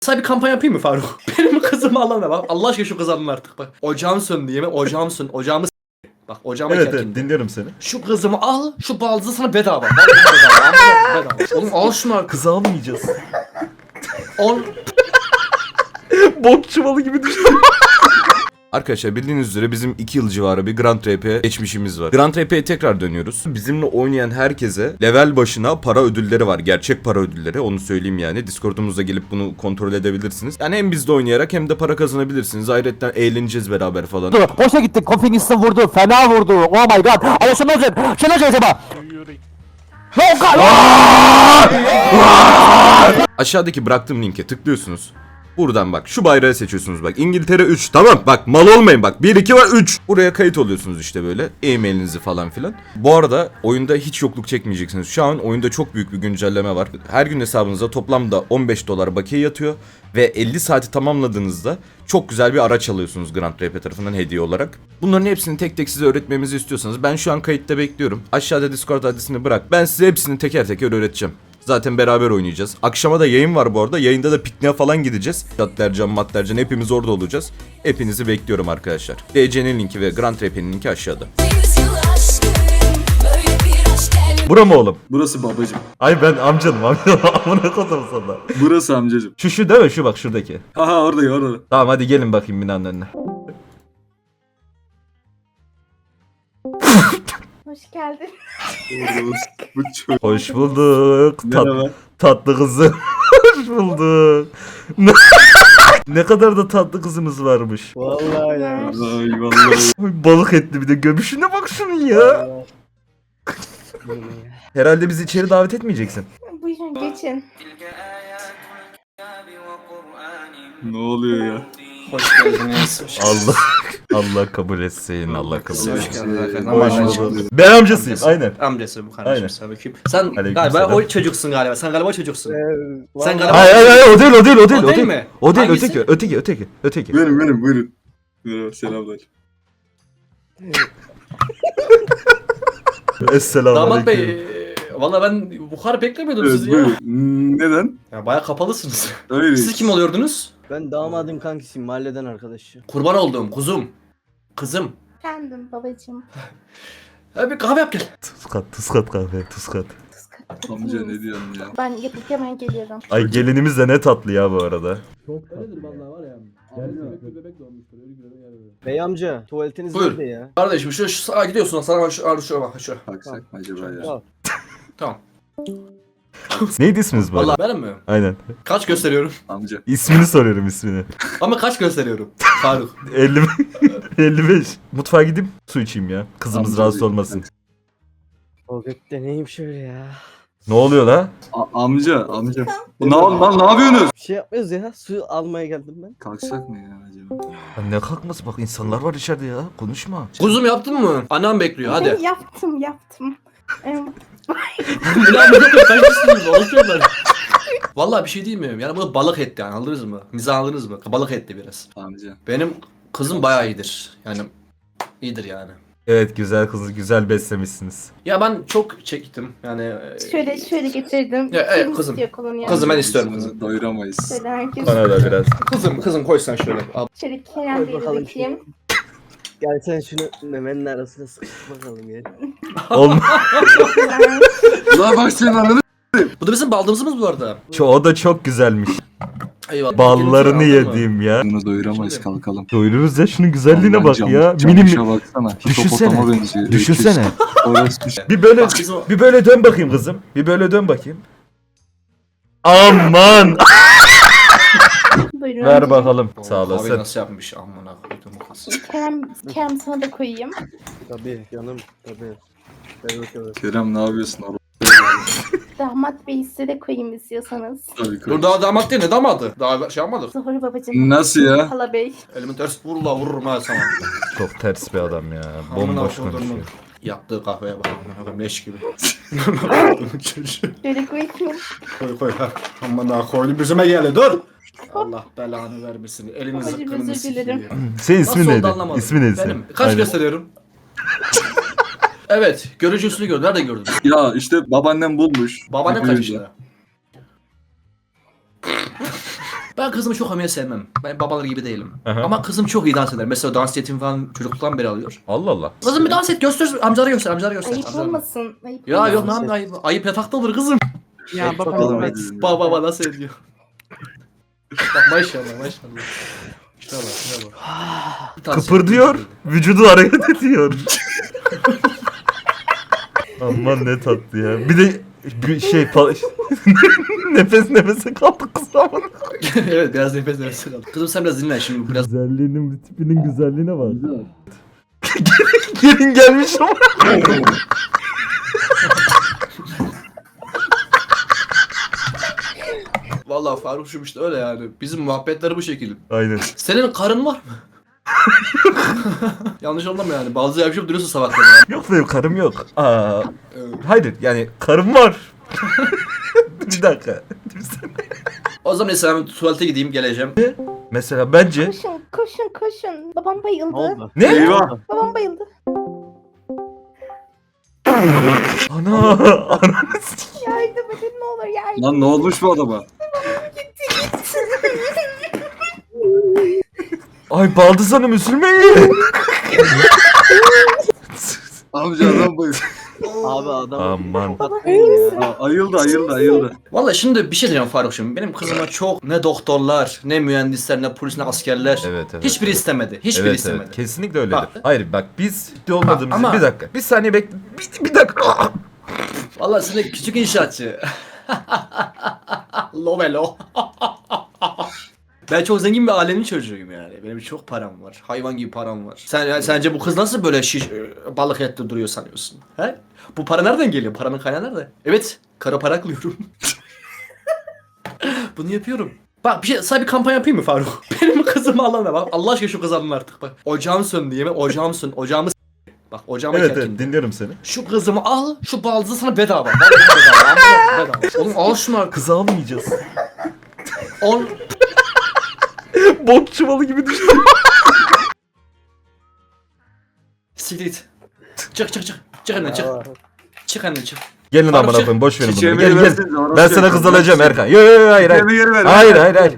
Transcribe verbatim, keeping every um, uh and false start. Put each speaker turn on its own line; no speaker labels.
Sana bir kampanya yapayım mı Faruk? Benim kızımı alana bak. Allah aşkına şu kızı alın artık bak. Ocağım söndü yemin. Ocağım söndü. Ocağımı s***. Bak ocağıma
Evet evet
çekildi.
dinliyorum seni.
Şu kızımı al. Şu baldızı sana bedava. Vallahi bedava. Vallahi bedava. Oğlum al şunu artık.
Kızı almayacağız.
On...
Bok çuvalı gibi düştüm. Arkadaşlar bildiğiniz üzere bizim iki yıl civarı bir Grand R P geçmişimiz var. Grand R P'ye tekrar dönüyoruz. Bizimle oynayan herkese level başına para ödülleri var. Gerçek para ödülleri, onu söyleyeyim yani. Discord'umuza gelip bunu kontrol edebilirsiniz. Yani hem bizde oynayarak hem de para kazanabilirsiniz. Ayrıca eğleneceğiz beraber falan.
Boşa gitti. Kofinis'in vurdu. Fena vurdu. Oh my god. Ama şunu olacak. Şunu olacak acaba. Oh god.
Aşağıdaki bıraktığım linke tıklıyorsunuz. Buradan bak şu bayrağı seçiyorsunuz bak. İngiltere üç, tamam bak mal olmayın bak. bir iki var üç. Buraya kayıt oluyorsunuz işte böyle. E-mailinizi falan filan. Bu arada oyunda hiç yokluk çekmeyeceksiniz. Şu an oyunda çok büyük bir güncelleme var. Her gün hesabınıza toplamda on beş dolar bakiye yatıyor. Ve elli saati tamamladığınızda çok güzel bir araç alıyorsunuz Grand R P tarafından hediye olarak. Bunların hepsini tek tek size öğretmemizi istiyorsanız ben şu an kayıtta bekliyorum. Aşağıda Discord adresini bırak. Ben size hepsini teker teker öğreteceğim. Zaten beraber oynayacağız. Akşama da yayın var bu arada. Yayında da pikniğe falan gideceğiz. Datlercan, Matlercan hepimiz orada olacağız. Hepinizi bekliyorum arkadaşlar. D C'nin linki ve Grand R P'nin linki aşağıda. Bura mı oğlum?
Burası babacım.
Ay ben amcanım amcanım. Amına kodum sana.
Burası amcacım.
Şu şu değil mi? Şu bak şuradaki.
Aha orada orada.
Tamam hadi gelin bakayım binanın önüne.
Hoş geldin.
Bu çok.
Hoş bulduk. Tat,
Merhaba.
tatlı kızım. Hoş bulduk. Ne kadar da tatlı kızımız varmış.
Vallahi ya.
Ay vallahi.
Ay, balık etli bir de göbüşüne bak şunun ya. Herhalde bizi içeri davet etmeyeceksin.
Buyurun geçin.
Ne oluyor ya?
Hoş geldiniz. Hoş
Allah Allah kabul etsin. Allah kabul
Hoş
etsin.
geldiniz arkadaşlar.
Hoş
Hoş
bulduk.
bulduk.
Ben amcasıyım.
Amcası.
Aynen.
Amcası bu kardeşim
Aynen.
sana bakayım. Sen
Aleyküm
galiba
selam.
o çocuksun galiba. Sen galiba çocuksun. Sen galiba...
Hayır hayır hayır o değil o değil o değil
O
o
değil
değil.
mi?
O değil
Hangisi?
öteki öteki öteki öteki.
Benim benim buyurun. Merhaba selamlar.
Esselamu
Damat
aleyküm.
Bey, valla ben bu kadar beklemiyordum
Evet
sizi ya.
buyurun. Hmm, Neden?
Ya bayağı kapalısınız.
Öyle.
Siz kim oluyordunuz?
Ben damadın kankisiyim. Mahalleden arkadaşı.
Kurban olduğum kuzum. Kızım.
Efendim babacığım.
Ya bir kahve yap gel.
Tuzkat tuzkat kahve tuzkat.
Amca ne diyorsun ya?
Ben yapıp hemen geliyorum.
Ay gelinimiz de ne tatlı ya bu arada.
Bey amca tuvaletiniz
Buyur.
nerede ya?
Kardeşim şu, şu sağa gidiyorsun. Sana bak şu, şu bak şu.
Baksak mı acaba ya?
Tamam.
Tamam.
Neydi isminiz bu arada?
Valla benim mi?
Aynen.
Kaç gösteriyorum?
Amca.
İsmini soruyorum ismini.
Ama kaç gösteriyorum? Faruk.
elli elli beş. Mutfağa gidip su içeyim ya. Kızımız
Amca
rahatsız
değil.
olmasın.
O gökte neymiş öyle ya?
Ne oluyor la?
A- amca amca. Bu ne, lan ne yapıyorsunuz?
Bir şey yapmıyoruz ya. Su almaya geldim ben.
Kalksak mı ya acaba?
Ya ne kalkması bak insanlar var içeride ya. Konuşma.
Kuzum yaptın mı? Annem bekliyor hadi.
yaptım yaptım. Em,
Ya bu ne kaç kişisiniz? Alışıyorlar. Valla bir şey değil mi? Yani bu balık etti yani anladınız mı? Mizah anladınız mı? Balık etti biraz.
Amca.
Benim kızım bayağı iyidir. Yani iyidir yani.
Evet güzel kızı güzel beslemişsiniz.
Ya ben çok çektim yani. e,
şöyle şöyle getirdim.
Ya, evet,
Kim
kızım.
istiyor kolonya?
Kızım ben
Biz
istiyorum
bunu
kızım.
Doyuramayız.
Şöyle herkes.
Bana da biraz.
Kızım kızım koy sen şöyle. Al.
Şöyle Kerem
Koy
Bey'e
bakalım
bakayım.
Gel sen şunu memenin arasına sıkıştır bakalım ya.
Olma.
Ulan bak senin ananı.
Bu da bizim baldızımız bu arada.
Ço- o da çok güzelmiş.
Eyvallah.
Ballarını
Gelin şöyle, aldın mı?
yediğim ya.
Bunu doyuramayız
Şimdi.
kalkalım.
Doyururuz ya şunun güzelliğine
Aman
bak
cam-
ya.
camışa
Minim
baksana.
Düşünsene.
Hipopotama benziyor.
düşünsene.
Orası düş.
Bir böyle
Bak bizim o-
bir böyle dön bakayım kızım. Bir böyle dön bakayım. Aman.
Buyurun.
Ver bakalım.
O
Sağ
kahveyi
olasın.
nasıl yapmış amına koydum kız.
Kerem, Kerem sana da koyayım.
Tabii canım tabii. Ver bakalım.
Kerem ne yapıyorsun orada?
Damat Bey size de koyayım istiyorsanız.
Tabii koy.
Dur daha damat değil ne damadı? Daha şey yapmadık.
Zuhur babacığım.
Nasıl ya?
Hala Bey.
Elimi ters vur la vururum ha sana.
Çok ters bir adam ya.
Amına
Bomboş
koydum.
konuşuyor.
Yaptığı kahveye bak. Amına leş gibi.
Şöyle koyayım.
koy koy ha. Amına koydum yüzüme geldi dur. Allah belanı vermesin. Elini
Babacım,
zıkkınını
özür dilerim.
sikeyim.
Senin
Nasıl
ismin
oldu
neydi?
anlamadım.
İsmin neydi
Benim.
senin?
Kaç
Aynen.
gösteriyorum? Evet. Görücü usulü gördüm. Nerede gördün?
Ya işte babaannem bulmuş.
Babaannem kaç yaşında? Ben kızımı çok hamile sevmem. Ben babalar gibi değilim.
Aha.
Ama kızım çok iyi dans eder. Mesela dans eğitimi falan çocukluktan beri alıyor.
Allah Allah.
Kızım bir dans et göster. Amcalara göster. Amcalara göster.
Ayıp
amcalara.
olmasın. Ayıp
Ya
olmasın.
yok lan ayıp. Ayıp yatakta olur kızım.
Ya baba
Bakalım
evet.
hadi.
Baba baba nasıl ediyor? Bak maşallah maşallah. Şuna bak şuna bak. Bir tanesi-
Kıpırdıyor, vücudu hareket ediyor. Aman ne tatlı ya. Bir de bir şey pa- nefes nefese kaldık kız ama.
Evet biraz nefes nefes kaldı. Kızım sen biraz dinlen şimdi biraz.
Güzelliğinin, tipinin güzelliğine bak. Gelin gelmiş ama.
Vallahi Faruk'cum işte öyle yani. Bizim muhabbetleri bu şekilde.
Aynen.
Senin karın var mı? Yanlış anlama yani. Bazı yapışıp duruyorsun sabahları. Ya.
Yok benim karım yok. Aa,
Evet.
hayır yani karım var. Bir dakika.
O zaman neyse ben tuvalete gideyim geleceğim.
Mesela bence...
Koşun koşun koşun. Babam bayıldı.
Ne oldu?
Ne?
Eyvah.
Babam bayıldı.
Ana! Ana!
Yardım edin ne olur yardım.
Lan ne olmuş bu adama?
Ay Baldız Hanım üzülmeyin.
Amca adam bayıldı.
Abi adam.
Aman.
Baba iyi misin?
Aa, ayıldı ayıldı ayıldı.
Vallahi şimdi bir şey diyeceğim Faruk'cum. Benim kızıma çok ne doktorlar, ne mühendisler, ne polis, ne askerler.
Evet evet.
Hiçbiri istemedi. Hiçbiri
Evet
istemedi.
evet. Kesinlikle öyledir.
Bak.
Hayır bak biz ciddi olmadığımızı...
ama-
Bir dakika. Bir saniye bekle. Bir, bir dakika.
Vallahi sen de küçük inşaatçı. Lovelo. Ben çok zengin bir ailenin çocuğuyum yani. Benim çok param var. Hayvan gibi param var. Sen yani sence bu kız nasıl böyle şiş, balık etli duruyor sanıyorsun? He? Bu para nereden geliyor? Paranın kaynağı nerede? Evet, kara para aklıyorum. Bunu yapıyorum. Bak bir şey, sana bir kampanya yapayım mı Faruk? Benim kızımı alana bak. Allah aşkına şu kızı alın artık bak. Ocağım söndü yemin. Ocağım söndü. Ocağımı s- Bak ocağıma
Evet
kerkin.
evet dinliyorum seni.
Şu kızımı al, şu baldızı sana bedava. Vallahi bedava. Vallahi bedava. Oğlum al şunu artık.
Kızı almayacağız.
On...
Bok çuvalı gibi düştü.
Siktir git. Çık çık çık. Çık anne çık. Çık anne çık.
Gelin
Faruk
amına
çık.
koyayım boş verin bunu.
Çiçeğimi
Gel gel.
versenize, orası
Ben sana
yok.
kız alacağım Erkan. Yo yo yo hayır hayır.
Çiçeğimi geri ver.
Hayır hayır hayır.